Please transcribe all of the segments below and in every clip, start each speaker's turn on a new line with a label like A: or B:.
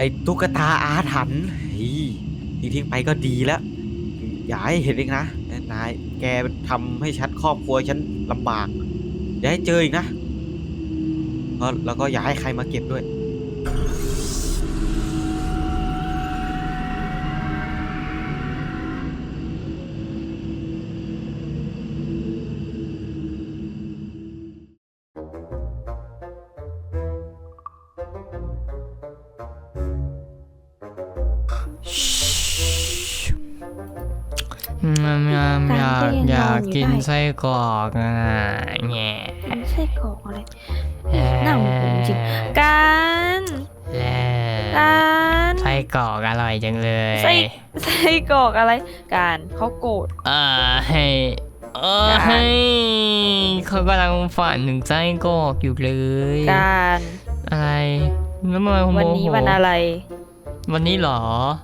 A: อ้ตุ๊กตาอาถรรพ์ที่ทิ้งไปก็ดีแล้วอย่าให้เห็นอีกนะนายแกทำให้ฉันครอบครัวฉันลำบากอย่าให้เจออีกนะแล้วก็อย่าให้ใครมาเก็บด้วย
B: อยากกินไส้กรอกอ่ะแง่
C: ไส้กรอกอะไรหน้าผมจริงการ
B: ไส้กรอกอร่อยจังเลย
C: ไส้กรอกอะไรการเขาโกรธ
B: ให้เขากำลังฝันถึงไส้กรอกอยู่เลย
C: การ
B: อะไรแล้วมา
C: วันนี้วันอะไร
B: วันนี้หรอ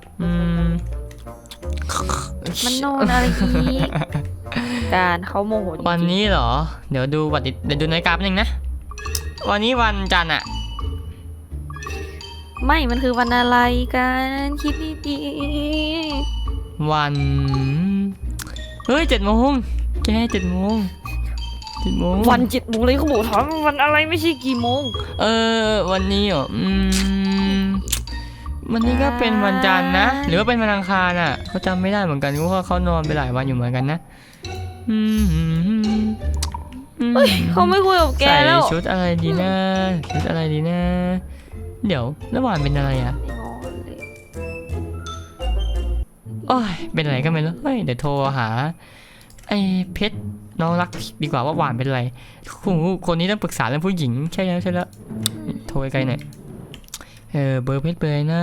C: มันโน่นอะไรอีกการเขาโมโห
B: วันนี้เหรอเดี๋ยวดูนาฬิกาแป๊บนึงนะวันนี้วันจันทร์อะ
C: ไม่มันคือวันอะไรกันคิดดี
B: ๆวันเฮ้ย7 โมงแก7 โมง
C: วัน7 โมงเลยเขาบอกถามวันอะไรไม่ใช่กี่โมง
B: วันนี้เหรอวันนี้ก็เป็นวันจันทร์นะหรือว่าเป็นวันอังคารอ่ะเขาจำไม่ได้เหมือนกันเพราะว่าเขานอนไปหลายวันอยู่เหมือนกันนะ
C: เขาไม่คุยกับแกแล้ว
B: ใส่ชุดอะไรดีนะเดี๋ยวแล้วหวานเป็นอะไรอ่ะโอ้ยเป็นอะไรก็ไม่รู้เดี๋ยวโทรหาไอ้เพชรน้องรักดีกว่าว่าหวานเป็นอะไรคนนี้ต้องปรึกษาเรื่องผู้หญิงใช่แล้วโทรไกลหน่อยเบอร์เพชรเบอร์นะ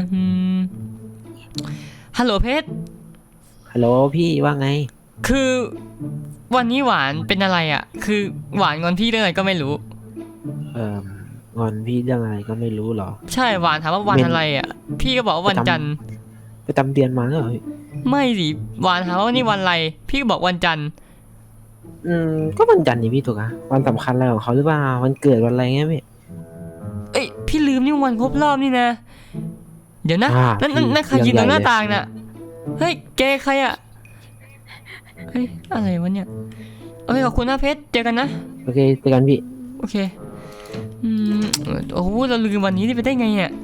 B: ฮัลโหลเพชร
A: ฮัลโหลพี่ว่าไง
B: คือวันนี้หวานเป็นอะไรอ่ะคือหวานงอนพี่เรื่องอะไรก็ไม่รู้
A: งอนพี่เรื่องอะไรก็ไม่รู้หรอ
B: ใช่หวานถามว่าวันอะไรอ่ะพี่ก็บอกว่าวันจันทร์
A: ไปจำเดือนมาเหรอ
B: ไม่สิหวานถามว่านี่วันอะไรพี่ก็บอกวันจันทร์
A: ก็วันจันทร์นี่พี่ถูกอะวันสำคัญอะไรของเขาหรือเปล่าวันเกิดวันอะไรเงี้ย
B: พี่ลืมนี่วันครบรอบนี่นะเดี๋ยวนะนั่นใครยืนตรงหน้าต่างน่ะเฮ้ยแกใครอ่ะเฮ้ยอะไรวะเนี่ยขอบคุณนะเพชรเจอกันนะ
A: โอเคเจอกันพี่
B: โอเคโอ้โหเราลืมวันนี้ไปได้ไงเนี่ย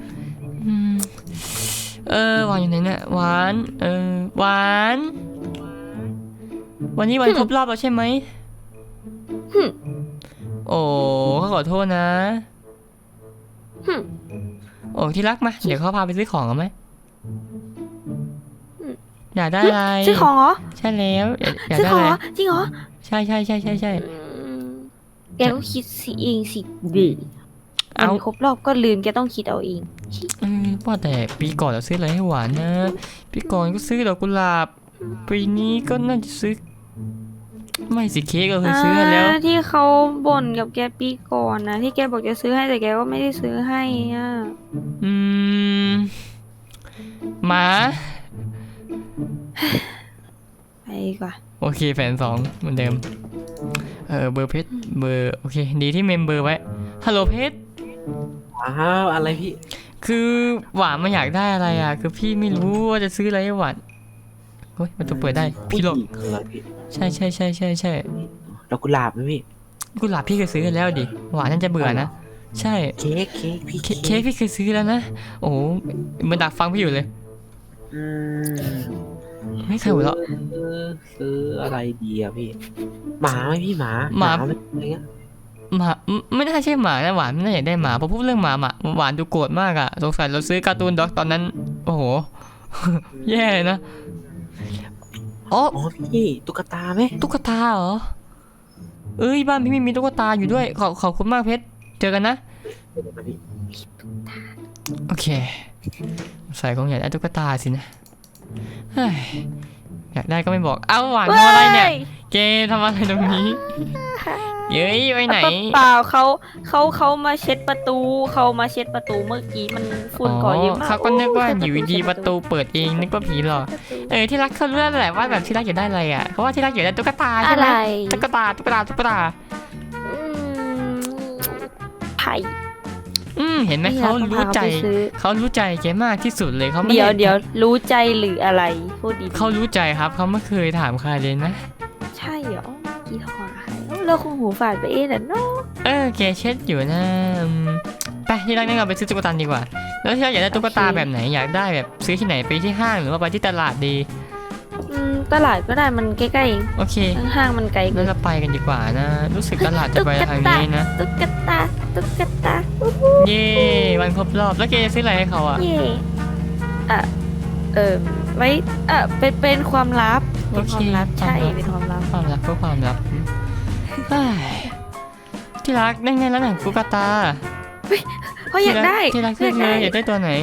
B: หวานอยู่ไหนเนี่ยหวานหวานวันนี้วันครบรอบแล้วใช่ไหมโอ้ขอโทษนะโอ้ที่รักมาเดี๋ยวเขาพาไปซื้อของกันไหมอยากได้อะไร
C: ซื้อของเหรอ
B: ใช่แล้วอยาก
C: ได้อะไรจริงเหรอ
B: ใช่
C: แกก็คิดสิเองสิดิเอาครบรอบก็ลืมแกต้องคิดเอาเอง
B: ว่าแต่ปีก่อนเราซื้ออะไรให้หวานนะปีก่อนก็ซื้อดอกกุหลาบปีนี้ก็น่าจะซื้อไม่สิเค้กเราเคยซื้อแล้ว
C: ที่เขาบ่นกับแกปีก่อนนะที่แกบอกจะซื้อให้แต่แกก็ไม่ได้ซื้อให้อ่ะ
B: หมา
C: ไปดีกว่า
B: โอเคแฟน2เหมือนเดิมเบอร์เพชรเบอร์โอเคดีที่เมมเบอร์ไว้ฮัลโหลเพชร
A: อะไรพี่
B: คือหวานมันอยากได้อะไรอ่ะคือพี่ไม่รู้ว่าจะซื้ออะไรให้หวานเฮ้ยมันจะเปิดได้พี่หลบใช่
A: ดอกกุหลาบไหมพี่
B: กุหลาบพี่เคยซื้อแล้วดิหวานน่าจะเบื่อนะใช่
A: เค้ก
B: พี่เคยซื้อแล้วนะโอ้มันดักฟังพี่อยู่เลยไม่เคยหัวเราะ
A: ซื้ออะไรดีอะพี่หมาไหมพี่หมาอะไรเงี้ย
B: หมาไม่น่าใช่หมานะหวานไม่น่าอยากได้หมาพอพูดเรื่องหมาหวานดูโกรธมากอะสงสัยเราซื้อการ์ตูนด็อกตอนนั้นโอ้โหแย่นะ
A: อ๋อพี่ตุ๊กตาไหม
B: ตุ๊กตาเหรอบ้านพี่มีตุ๊กตาอยู่ด้วยขอบคุณมากเพชรเจอกันนะโอเคใส่ของอยากได้ตุ๊กตาสินะอยากได้ก็ไม่บอกเอาหวานทำอะไรเนี่ยเกทำอะไรตรงนี้เย้ยไปไหน
C: เปล่าเขามาเช็ดประตูเมื่อกี้มันฝุ่นก่อเยอะมาก
B: เขาก็นึกว่าอยู่ดีประตูเปิดเองนึกว่าผีหรอที่รักเขารู้แล้วแหละว่าแบบที่รักอยากได้อะไรอ่ะเพราะว่าที่รักอยากได้ตุ๊กตาใช่ไหมตุ๊กตา
C: ไผ่
B: เห็นไหมเขารู้ใจเขารู้ใจแกมากที่สุดเลยเขาไม่
C: เดี๋ยวรู้ใจหรืออะไรพูดดีๆ
B: เขารู้ใจครับเขาไม่เคยถามใครเลยนะ
C: ใช่เหรอกี่ถอนใครเราคงหูฝาดไปเองน่ะเนาะ
B: แกเช็ดอยู่นะไปที่รักนั่งเราไปซื้อตุ๊กตาดีกว่าแล้วที่รักอยากได้ตุ๊กตาแบบไหนอยากได้แบบซื้อที่ไหนไปที่ห้างหรือว่าไปที่ตลาดดี
C: ตลาดก็ได้มันใกล้ๆเอง
B: โอเค
C: ห้างมันไกลเกิ
B: งั้
C: น
B: นเราไปกันดีกว่านะ รู้สึกตลาดจะไปทางนี้นะ
C: ตุ๊กตา
B: เย้วันครบรอบแล้วแกจะซื้ออะไรให้เขาอ่ะ
C: เย่ไว้เป็นความลับเป็นความลับใช่เป็นความลับ
B: ความรักเพื่อความรักเฮ้ยที่รักได้ไงแล้วหนังตุ๊กตา
C: เขาอยากได้
B: ที่รักเลือกเลยอยากได้ตัวไหน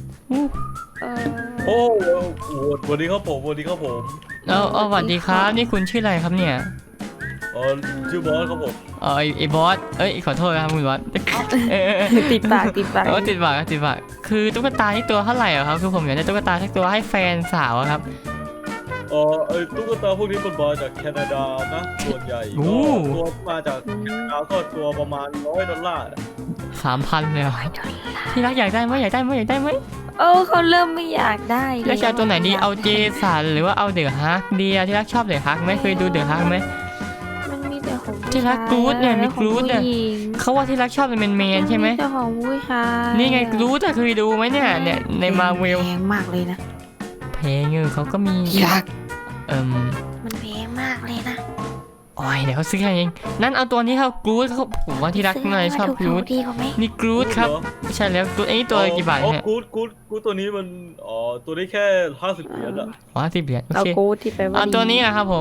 D: โอ้โหสวัสดีครับผมสวัสดีครับผม
B: แล้วสวัสดีครับนี่คุณชื่ออะไรครับเนี่ย
D: ชื่อบอสครับผม
B: ไอ้บอสขอโทษนะครับคุณบอส
C: ติดปาก
B: ติดปากคือตุ๊กตานี่ตัวเท่าไหร่อะครับคือผมอยากได้ตุ๊กตาสักตัวให้แฟนสาวอะครับ
D: ตุ๊กตาพวกนี้มันมาจากแคนาดานะส่วนใหญ่
B: โอ้
D: ก็ตัวมาจากแคนาดาก็ตัวประมาณ$100
B: 3,000เลยเหรอที่รักอยากได้ไหมอยากได้ไหม
C: เขาเริ่มไม่อยากได้
B: แล้วจะเอาตัวไหนดีเอาเจสันหรือว่าเอาเดอะฮักดีอะที่รักชอบเดอะฮักไหมเคยดูเดอะฮักไหม
C: มันมีแต่ของ
B: ที่รักกรู๊ดเนี่ยมีกรู๊ดเนี่ย เขาว่าที่รักชอบเป็นเมนใช่ไหม
C: แต่ของผู้ชาย
B: นี่ไงกรู๊ดอะเคยดูไหมเนี่ยในมาเวล
C: แพงมากเลยนะ
B: เพลงเขาก็มี
C: ที่รัก
B: มัน
C: แพงมากเลยนะ
B: โอ้ยเดี๋ยวเขาซื้อให้เองนั่นเอาตัวนี้ครับกรู๊ดเขาผมว่าที่รักน่าจะชอบกรู๊ด
C: ดีกว่าไหม
B: นี่กรู๊ดครับใช่แล้วกรู๊ดไอ้นี่ตัวกี่บาทเนี่ย
D: กูตัวนี้มันตัวนี้แค่$50อะ
B: อ๋อ10 เหรียญโอ
C: เอา
B: เค
C: กูที่ไปว่า
B: เอาตัวนี้อะครับผม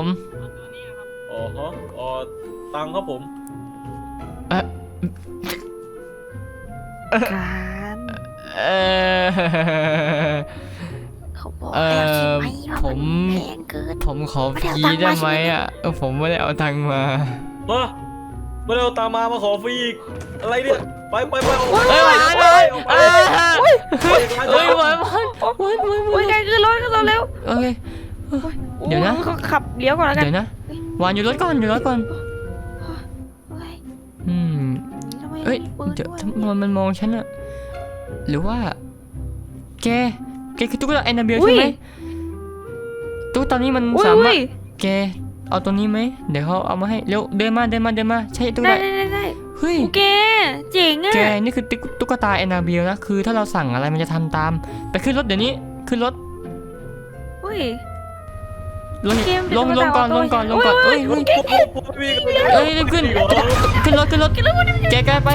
D: ตังค์ครับผม
C: การ
B: เออ
C: เขาบอกแล้วใช่ไหมว่า
B: ผม
C: นแพงเกิน
B: ผมขอฟรีได้ไหมอ่ะผมไม่ได้เอาตังค์มา
D: ไม่ได้เอาตังค์มาขอฟรีอีกอะไรเนี่ยไป
B: เฮ้ยหวานเลยเฮ้ยหวาน
C: โอ้ยไกลขึ้นรถเร็ว
B: โอเค เดี๋ยวนะ
C: เขาขับเลี้ยวก่อนแล้วกัน
B: เดี๋ยวนะหวานอยู่รถก่อนอืม
C: ทำไม
B: เอ้ย
C: มีปืน
B: เดี๋ยว
C: ด้วย
B: ทำไมมันมองฉันอะหรือว่าแกคือตุ๊กตาแอนนาเบลใช่ไหมตุ๊กตานี้มัน
C: อุ้ย
B: สามารถ
C: อุ้ย
B: แกเอาตัวนี้ไหมเดี๋ยวเขาเอามาให้เร็วเดินมาใช่ตุ๊ก
C: ได้
B: ตา
C: ได้
B: เฮ้ย
C: แกเจ๋งอ่ะ
B: แกนี่คือตุ๊กตาแอนนาเบลนะคือถ้าเราสั่งอะไรมันจะทำตามไปขึ้นรถเดี๋ยวนี้ขึ้นรถ
C: อุ้ย
B: ลง
C: เกมเป็น
B: ก่อน
C: ตุ๊กตา
B: ลงก่อน
C: โอ้ย
B: เอ้ยรีบขึ้นรถแกไป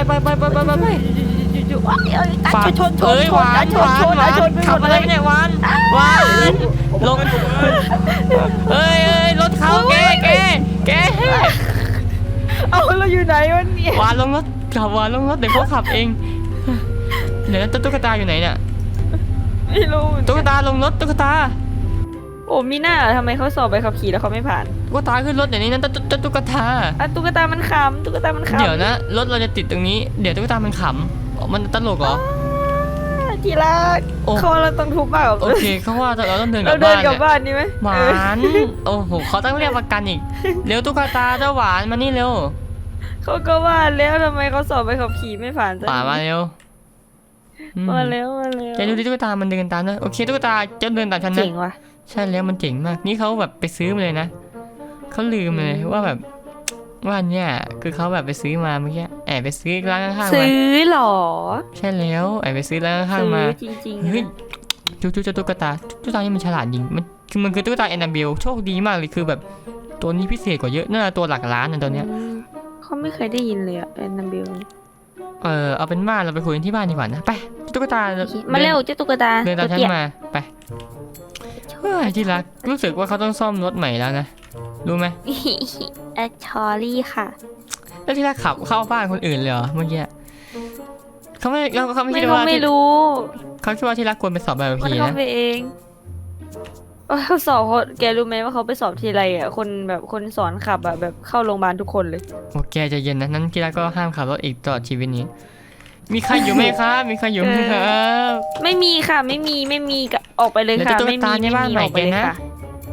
B: ฝาก
C: ชน
B: เอ้ยหวาน
C: ชน
B: ขับอะไรเนี่ยหวานลงเอ้ยรถเขาแก
C: เอาเราอยู่ไหนวะเนี่ย
B: หวานลงรถเดี๋ยวเขาขับเองเดี๋ยวตุ๊กตาอยู่ไหนเนี่ย
C: ไม่รู้เหมือน
B: ตุ๊ก
C: กัน
B: ตาลงรถตุ๊กตา
C: โอ้มีหน้าทำไมเขาสอบใบขับขี่แล้วเขาไม่ผ่าน
B: ตุ๊กตาขึ้นรถเดี๋ยวนี้นะตุ๊กตา
C: ตุ๊กตามันขำตุ๊กตามันขำ
B: เดี๋ยวนะรถเราจะติดตรงนี้เดี๋ยวตุ๊กตามันขำมันตลกเหรอ
C: ที่รัก
B: โอ้
C: เขาเราต้องทุบเปล่า
B: โอเคเขาว่าเราต้องเดินก
C: เรา
B: ลับ
C: เดิ
B: บ้าน น
C: กลับ
B: เนี่ย
C: บ้านดีไหม
B: หวานโอ้โหเขาต้องเรียกประกันอีกเร็วตุ๊กตาเจ้าหวานมานี่เร็ว
C: เขาก็ว่าแล้วทำไมเขาสอบใบขับขี่ไม่ผ่านสัก
B: ป่ามาเร็ว
C: มาแล้ว
B: แกดูดิตุ๊กตามันเดินตามนะโอเคตุ๊กตาจะเดินตามฉันนะ
C: เจ๋งว่ะ
B: ใช่แล้วมันเจ๋งมากนี่เขาแบบไปซื้อมาเลยนะเขาลืมเลยว่าแบบว่าเนี่ยคือเขาแบบไปซื้อมาเมื่อกี้แอบไปซื้อร้านข้างๆมา
C: ซื้อหรอ
B: ใช่แล้วแอบไปซื้อร้านข้าง
C: ซื้
B: ๆมา
C: จริงๆ
B: เฮ้ยจุ๊บตุ๊กตานี่มันฉลาดจริงมันคือตุ๊กตาแอนนาเบลโชคดีมากเลยคือแบบตัวนี้พิเศษกว่าเยอะน่าตัวหลักล้านนะตัวเนี้ย
C: เขาไม่เคยได้ยินเลยอะแอนนาเบล
B: เอาเป็นว่าเราไปคุยกันที่บ้านดีกว่านะไปตุ๊กตา
C: มาเร็วเจ้าตุ๊กตา
B: เดินตามฉัน
C: เตี้ย
B: มาไปเฮ้ยที่รักรู้สึกว่าเขาต้องซ่อมรถใหม่แล้วนะรู้ไหม
C: ชอรี่ค่ะ
B: แล้วที่รักขับเข้าบ้านคนอื่นเลยเหรอเมื่อกี้เขาไม่คิด
C: เขา
B: ว่า
C: ไม่รู้
B: เขาคิดว่าที่รักควรไปสอบใบขับ
C: มัน
B: ขี่
C: เขา
B: นะ
C: ไปเองเขาสอบแกรู้ไหมว่าเขาไปสอบทีไรอ่ะคนแบบคนสอนขับอ่ะแบบเข้าโรงพยาบาลทุกคนเลย
B: โอเคใจเย็นนะนั้นที่รักก็ห้ามขับรถอีกตลอดชีวิตนี้ มีใครอยู่ไหมครับมีใครอยู่ไหมครับ
C: ไม่มีค่ะไม่มีออกไปเลยค่ะ
B: เดี๋ยวตุ๊ก
C: ไม่
B: ตา
C: มี
B: ในบ้านใหม่
C: ออกไปเลย
B: แกนะ
C: ค่ะ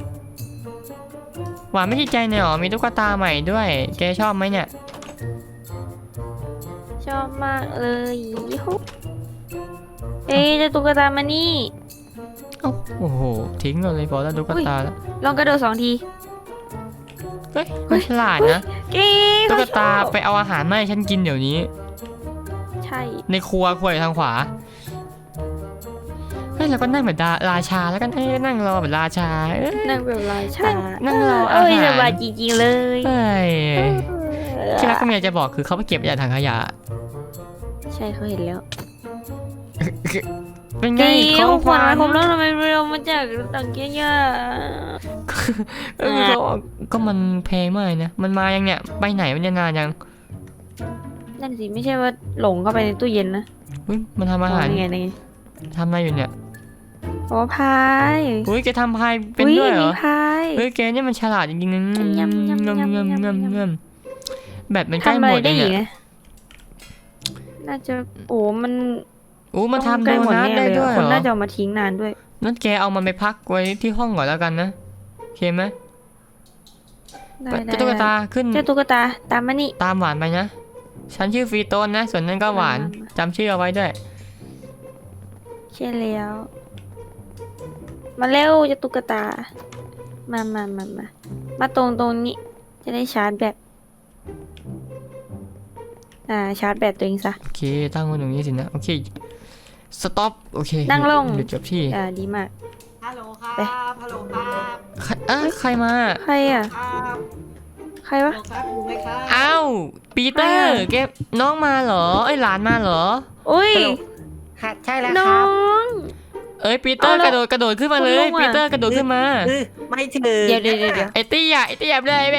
B: หวานไม่ติดใจเนี่ยหรอมีตุ๊กตาใหม่ด้วยแกชอบไหมเนี่ย
C: ชอบมากเลยยูฮูเอ๊ะเจะตุ๊กตามานี่
B: โอ้โหทิ้งเราเลยพอแล้วตุ๊กตาแล้ว
C: ลองกระโดด2 ที
B: เฮ้ยไม่ฉลาดนะ
C: เก๋
B: ตุ๊กตา
C: เขาชอบ
B: ไปเอาอาหารมาให้ฉันกินเดี๋ยวนี้
C: ใช่
B: ในครัวอยู่ทางขวาเฮ้ยเราก็นั่งแบบราชาแล้วกันนั่งรอแบบราชา
C: นั่งแบบราชา
B: นั่งรออาหาร
C: เอ้ยสบายจริงๆเลย
B: เฮ้ยที่รักก็มีอะไรจะบอกคือเขาไปเก็บจากถังขยะ
C: ใช่เขาเห็นแล้ว
B: เป็นไง
C: เก๋
B: ของ
C: ของ
B: ข
C: ขวั
B: วั
C: ญ
B: ญ
C: ผมแล้วทำไมเรามาจากต่างเกียร์
B: ก็มันแพงมากนะมันมายังเนี่ยไปไหนมันจะนานยัง
C: นั่นสิไม่ใช่ว่าหลงเข้าไปในตู้เย็นนะ
B: อุ้ยมันทำอาหาร
C: นี่ไงนี่ไง
B: ทำอะไรอยู่เนี่ย
C: อ๋อพาย
B: อุ้ยแกทำพายเป็นด้วยเหรอ
C: มีพาย
B: เฮ้ยแกเนี่ยมันฉลาดจริงๆนะ
C: ยำยำยำยำยำ
B: งำแบบมันใกล้
C: ทำ
B: ห
C: อะ
B: ม
C: ไร
B: ดเล
C: ได้
B: ย
C: อีก
B: เนี่ย
C: นะน่าจะโอ้มัน
B: อู้มันทำ
C: ใก
B: โด
C: ล้หมด
B: นัท
C: แน่
B: ได้
C: เลย
B: ด้วย
C: อะ
B: เห
C: ค
B: ร
C: น
B: อ
C: น่าจะเอามาทิ้งนานด้วย
B: นั่นแกเอามันไปพักไว้ที่ห้องก่อนแล้วกันนะโอเคไหม
C: ได้
B: เจ้าตุ๊กตาขึ้น
C: เจ้าตุ๊กตาตามมานี่
B: ตามหวานไปนะ ฉันชื่อฟรีโตนนะ ส่วนนั้นก็หวาน
C: มา
B: จำชื่อเอาไว้ด้วย
C: ใช่แล้วมาเร็วเจ้าตุ๊กตามาตรงนี้จะได้ชาร์จแบตชาร์จแบตตัวเองซะ
B: โอเค ตั้งไว้ตรงนี้สินะ โอเค สต็อป โอเค
C: นั่งลง
B: เดี๋ยวจบที่
C: ดีมาก
A: ฮัลโหลครั
C: ไป
A: บฮัลโหลครับ
B: ใครมา
C: ใครอ่ะ
A: ครับ
C: ใครวะ
A: ฮัลโหลครับอยู่ไหมครับ
B: อ้าวปีเตอร์
C: ใครอะ
B: แกน้องมาเหรอ เอ้ยหลานมาเหรอ
C: อุ้ย
A: ค่ะใช่แล้ว
C: น้
A: ค
C: อ
A: รับ
C: ง
B: เอ้ยปีเตอร์
C: เอา
B: ก
C: แล้
B: ระ
C: ว
B: โดดขึ้นมาเลย
C: คุณลุงอะ
B: ปีเตอร์กระโดดขึ้นมา
A: ไม่ถึง
C: เดี๋ยว
B: ไอ้เตี้ยแบ่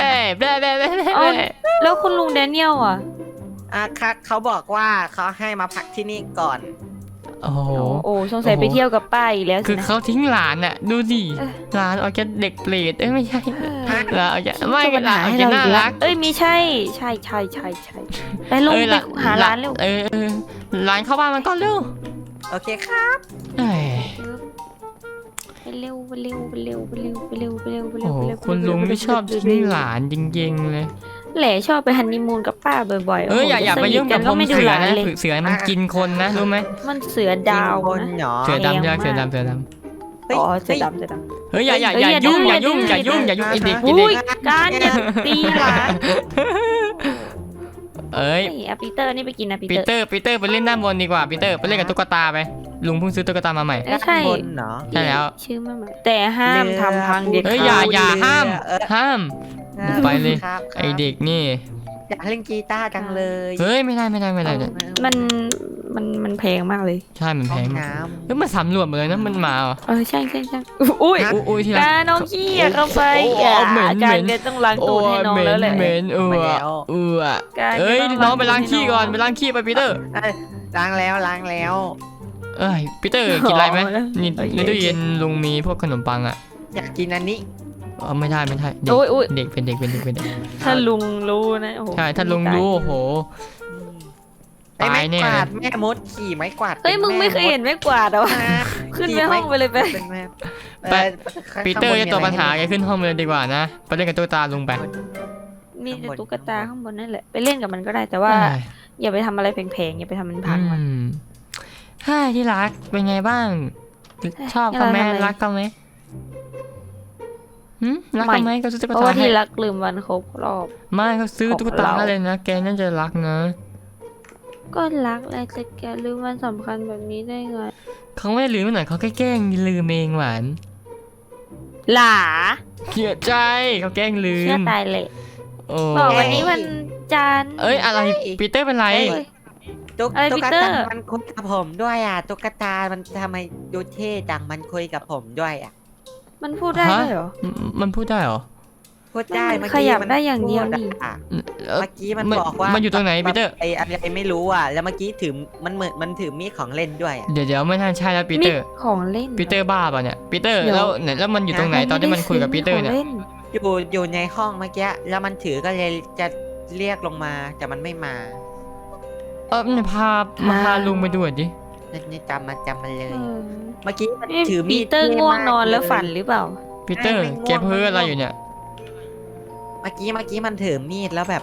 C: เอา แล้วคุณลุงแดเนียลอ่ะ
A: ค่ะเขาบอกว่าเขาให้มาพักที่นี่ก่อน
B: โอ้โห
C: โอ้สงสัย
B: โอ้โห
C: ไปเที่ยวกับป้าอีกแล้ว
B: คื
C: สิ
B: อ
C: นะ
B: เขาทิ้งหลานน่ะ ดูดิ
C: เอ้ย
B: หลานเอาแค่เด็กเปรตไม่ใช่
C: เออ
B: หลานเอาแค่ไม่
C: จะปัญ
B: หลา
C: หาน
B: เอา
C: ให้
B: แค่
C: เรา
B: น่า
C: อีกแล้ว
B: รัก
C: เอ้ยมีใช่ไปลงไปหาร้านเร็ว
B: หลานเข้าบ้านมันก่อนเร็ว
A: โอเคครับ
B: เอ้ย
C: ไปเร็วไปเร็ว
B: โอ้โหคุณลุงไม่ชอบทิ้งหลานจริงๆเลย
C: แหล่ชอบไปฮันนีมูนกับป้าบ่อยๆ
B: อย่าไปยุ่งกับ
C: ก็
B: ผม
C: ไม่ดู
B: เสือ
C: ร้าน
B: นะ
C: เลย
B: เสือมันกินคนนะรู้ไหม
C: มันเสือดาว
A: คน
C: นะ
A: เหรอ
B: เสือดำใช่ไหม
C: แรงมาก
B: เสือดำ
C: อ๋อเสือดำ
B: เฮ้ยอย่า
C: เฮ้ยอย่าดื้อ
B: อย่ายุ่ง
C: อย่าดื้อ
B: ไอเด็ก
C: อุ้ยการอย่าตีหลาน
B: เอ้ย
C: เฮ้ยเอาปีเตอร์นี่ไปกินนะปี
B: ปี
C: เตอร์
B: เตอร์ไปเล่นด้านบนดีกว่าปีเตอร์ไปเล่นกับตุ๊กตาไปลุงเพิ่งซื้อตุ๊กตามาใหม่
C: ก็ใช่
A: คนเหรอ
B: ใช่แล้ว
C: ชื่อมันมาแต่ห้ามทำพังเด็ด
B: เฮ้ย
C: ขาด
B: อย่าห้าม
A: เออ
B: ห้าม ไปเลย
A: ครับ
B: ไอเด็กนี่
A: อยากเล่นกีตาร์จังเลย
B: เฮ้ยไม่ได้เนี่ย
C: มันแพงมากเลย
B: ใช่มันแพ
A: ห้อง
B: ง
A: น้
B: เฮ้ยมันสำรวจหมดเลยนะมันมาเหรอ
C: ใช่อุ้ย
B: อุ้ยที่รัก
C: การน้องขี้อย่าเข้าไป
B: โอ้
C: อย่า
B: เหม็น
C: การ
B: เหม็น
C: แกต้องล้างตูดให้น้องแล้วแหละ
B: เหม็นเอ้ยน้องไปล้างขี้ก่อนไปล้างขี้ไปปีเตอร์
A: ำล้างแล้ว
B: เอ้ยปีเตอร์กินอะไรไหมนี่ในตู้เย็นลุงมีพวกขนมปังอ่ะ
A: อยากกินอันนี้
B: ไม่ได้เด็ก
C: โอ้ย
B: เด็กเป็นเด็ก
C: ถ้าลุงรู้นะโอ้โห
B: ใช่ถ้าลุงรู้โอ้โห
A: ไอ้ไม้
B: ตายแน่
A: กวาดแม่มดขี่ไม้กวาด
C: เฮ้ยมึงไม่เคยเห็นไม่กวาดเหรอวะ ขึ้นไปห้องไปเลยไป
A: เป็นแม่
B: ไป ปีเตอร์จะตัวปัญหาแกขึ้นห้องเลยดีกว่านะไปเล่นกับตุ๊กตาลุงไป
C: มีแต่ตุ๊กตาข้างบนนั่นแหละไปเล่นกับมันก็ได้แต่ว่า อย่าไปทำอะไรแพงๆอย่าไปทำมันพังมัน
B: ฮ่าที่รักเป็นไงบ้าง ชอบเขาไหม
C: ทำไม
B: รักเขาไหมรักเขาไหมเขาซื้อตุ๊ก
C: เพราะ
B: ตา
C: ว่า
B: ให้
C: ที่รักลืมวันครบรอบ
B: ไม่เขาซื้อตุ๊กตา
C: ของเรา
B: ให้เลยนะแกน่าจะรักนะ
C: ก็รักแหละแต่แกลืมวันสำคัญแบบนี้ได้ไง
B: เขาไม่ได้ลืมหน่อยเขาแค่แกล้งลืมเองหวาน
C: หลา
B: เสียใจเขาแกล้งลื
C: เชื่อ
B: ม
C: ตายเลย
B: โอ้
C: บอกวันนี้วันจันทร์
B: เอ้ยอะไรปีเตอร์เป็นไร
C: เอ้ย อะไร
A: ตุ๊
C: ปี
A: ก
C: เตอร์
A: ตามันคุยกับผมด้วยอ่ะตุ๊กตามันทำไมดูเท่จังมันคุยกับผมด้วยอ่ะ
C: มันพูดได้ด้วยเหรอ
B: มันพูดได้เหรอ
A: พูดได้
C: มัน
A: เมื่อกี้
C: ขยับได้อย่างเดียวนี่
A: พูอ่ะ
B: เอ้ย
A: เมื่อกี้มันบอกว่า
B: มั
A: มัน
B: อยู่ตรงไหนปีเตอร์
A: ไอ้อะไรไม่รู้อ่ะ แล้วเมื่อกี้ถือมันเหมือนมันถือมีดของเล่นด้วยอ่ะ
B: เดี๋ยวไม่น่าใช่แล้วปีเตอร์
C: ของเล่น
B: ปีเตอร์บ้าป่ะเนี่ยปีเตอร์
C: เดี๋ยว
B: แล้วมันอยู่ตรงไหนตอนที่มันคุยกับปีเตอร์เนี่ย
C: ของล่
A: อยู่ในห้องเมื่อกี้แล้วมันถือก็เลยจะเรียกลงมาแต่มันไม่มา
B: มันพาลุงไปดูหน่อยดิ
A: นี่จำมันเลย
C: เออ
A: เมื่อกี้มัน
C: เอ๊ะ
A: ถือมี
C: ปี
A: ด
C: เตอร์
A: ท่
C: ง่วงนอน
A: มาก
C: แล้วฝัน
A: เลย
C: หรือเปล่า
B: ปีเตอร์
A: ไม่ง่วง
B: แกเพ้ออะไรอยู่เนี่ย
A: เมื่อกี้มันถือมีดแล้วแบบ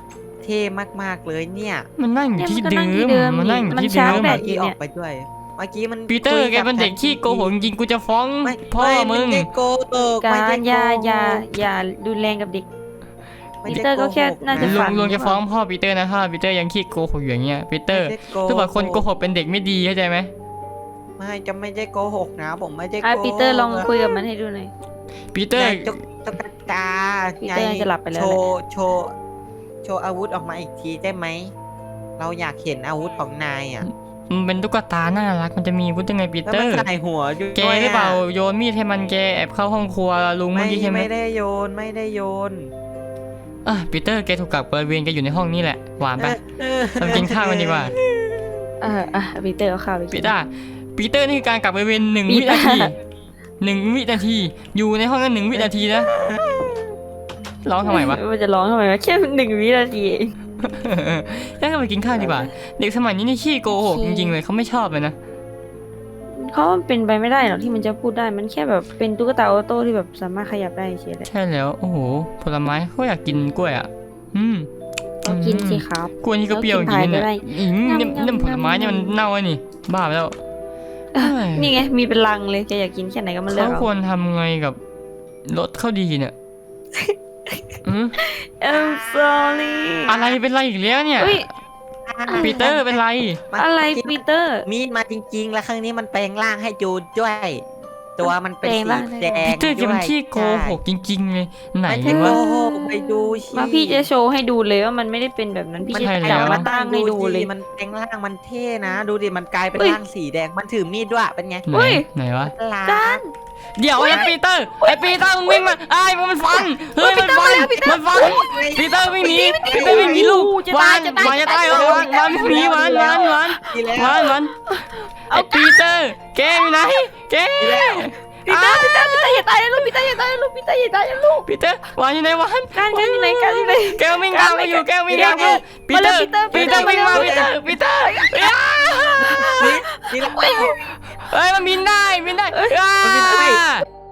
A: เท่มากๆเลยเนี่ย
B: มันนั่งอยู่ที่เดิ
C: มันก็นั่งที่เดิม
B: มมันนั่งอยู่
C: มัน
B: ที่
C: ชา
B: เดิ
C: ร์จ
B: ม
C: แบ
A: เมื่
C: ต
A: อกี้ออกไปด้วยเมื่อกี้มัน
B: ปีเตอร์
A: คุย
B: แกเป็นเด็กขี้โกหกจริงๆกูจะฟ้อง
A: ไม่
B: พ่อ
A: ไม่
B: มึง
A: ไได้โกหก
C: กา
A: ไม่ได้
C: ร
A: โก
C: อย่าดูแรงกับเด็ก
A: ไม่
C: ปี
A: ได้
C: เตอร์ก็แค่
A: โห
C: น่าจะ
B: ลุ
C: ฝั
B: งลุงจะฟ้องพ่อปีเตอร์นะถ้าปีเตอร์ยังขี้โกหกอยู่อย่างเงี้ยปีเตอร์
A: ไม่ได้โกหก
B: ถ้าบอกคนโกหกเป็นเด็กไม่ดีเข้าใจไหม
A: ไม่จะไม่ได้โกหกนะผมไม่ได้โก
C: อ่ะ
A: หก
C: ปีเตอร์ลองคุยกับมันให้ดูหน่อย
B: ปีเตอร์
A: ไงตุ๊กตา
C: ปีเตอร์จะหลับไปแล้ว
A: โช
C: แหละ
A: ว์โชว์โชว์อาวุธออกมาอีกทีได้ไหมเราอยากเห็นอาวุธของนายอ่ะ
B: มันเป็นตุ๊กตาน่ารักมันจะมีวุฒิยังไงปี
A: แล้ว
B: เตอ
A: มัน
B: ร์
A: ใส่หัวด้วย
B: แกหรือเปล่าโยนมีดให้มันแกแอบเข้าห้องครัวลุงเมื่อกี้ใช่ไหม
A: ไม่ได้โยนไม่ได้โยน
B: อ่ะปีเตอร์แกถูกกักบริเวณแกอยู่ในห้องนี้แหละหวานไป
A: เออ
B: เรากินข้าวกันดีกว่า
C: ปีเตอร์เอาข้าวไปกิ
B: ปี
C: น
B: เตอร์ปีเตอร์นี่คือการกักบริเวณ1
C: ปี
B: วิ
C: เตอร์
B: นาที1 วินาทีอยู่ในห้องนั้น1 วินาทีนะร้องทำไมวะ
C: มันจะร้องทำไมวะแค่1 วินาทีเอง
B: งั้นก็ไปกินข้าวดีกว่า เด็กสมัยนี้นี่ขี้โกหกจริงๆเลยเขาไม่ชอบเลยนะ
C: เขามันเป็นไปไม่ได้หรอกที่มันจะพูดได้มันแค่แบบเป็นตุ๊กตาออโต้ที่แบบสามารถขยับได้เฉยเลย
B: ใช่แล้วโอ้โหผลไม้เขาอยากกินกล้วยอ่ะ
C: ก็กินสิครับ
B: กล้วยนี่ก็เปรี้ยวจริงๆ
C: แล้วกินพายก็
B: เนี่ย
C: ได้
B: เนี่ย
C: งำๆ
B: เนี่ยผลไม้เนี่ยมันเน่าไอ้นี่บ้าไปแล้ว
C: นี่ไงมีเป็นลังเลยแกอยากกินแค่ไหนก็มาเลือก
B: เขา
C: เอา
B: ควรทำไงกับรถเข้าดีเนี่ยอืม
C: I'm sorry
B: อะไรเป็นไรอีกแล้วเนี่ย
C: เฮ้ย
B: ปีเตอร์เป็นไร
C: อะไรปีเตอร์
A: มีดมาจริงๆ แล้วครั้งนี้มันแปลงร่างให้จูดด้วย ตัวมันเป็น
C: แปลง
A: สี
C: ร่างได้
A: แดง
B: ปีเตอร์แกเป็นขี้โกหกจริงๆเลยไหน
A: ไม่ใช่โก
B: วะ
A: หกไปดูสิ
C: มาพี่จะโชว์ให้ดูเลยว่ามันไม่ได้เป็นแบบนั้นพี่
B: มัน
C: จะ
B: ใช่
C: จับ
B: แล้ว
C: มาตั้งให้ดูเลย
A: มันแปลงร่างมันเท่นะ ดูดิมันกลายเป็น
C: เฮ้ย
A: ร่างสีแดงมันถือมีดด้วยเป็นไง
B: ไหน
C: เฮ้ย
B: ไหนวะ
A: ลา
C: กัน
B: เดี๋ยวไอ้ปีเตอร์ไอ้ปีเตอร์มึงวิ่งมาไอ้มันฟันเฮ้ยมันฟันมันฟันปีเตอร์วิ่งหนีปีเตอร์วิ่งหนีลูก
C: จะ
B: วา
C: ตาย
B: น
C: จะตาย
B: วานจะตายเหรอวานวิ่งหนีวาน
A: ดีแล้ว
B: ไอ้ปีเตอร์แกอยู่ไหนแก
C: ปีเตอร์อย่าตายนะลูกปีเตอร์อย่าตายนะลูกปีเตอร์อย่าตายนะลูก
B: ปีเตอร์วานอยู่ไหนวาน
C: การอยู่ไหนการอยู่ไหน
B: แกวิ่งตามมาอยู่แกวิ่งตามอยู่ปีเตอร์ปีเตอร์วิ่งมาปีเตอร์ปีเตอร์
A: ดีแล้ว
B: เฮ้ยมันบินได้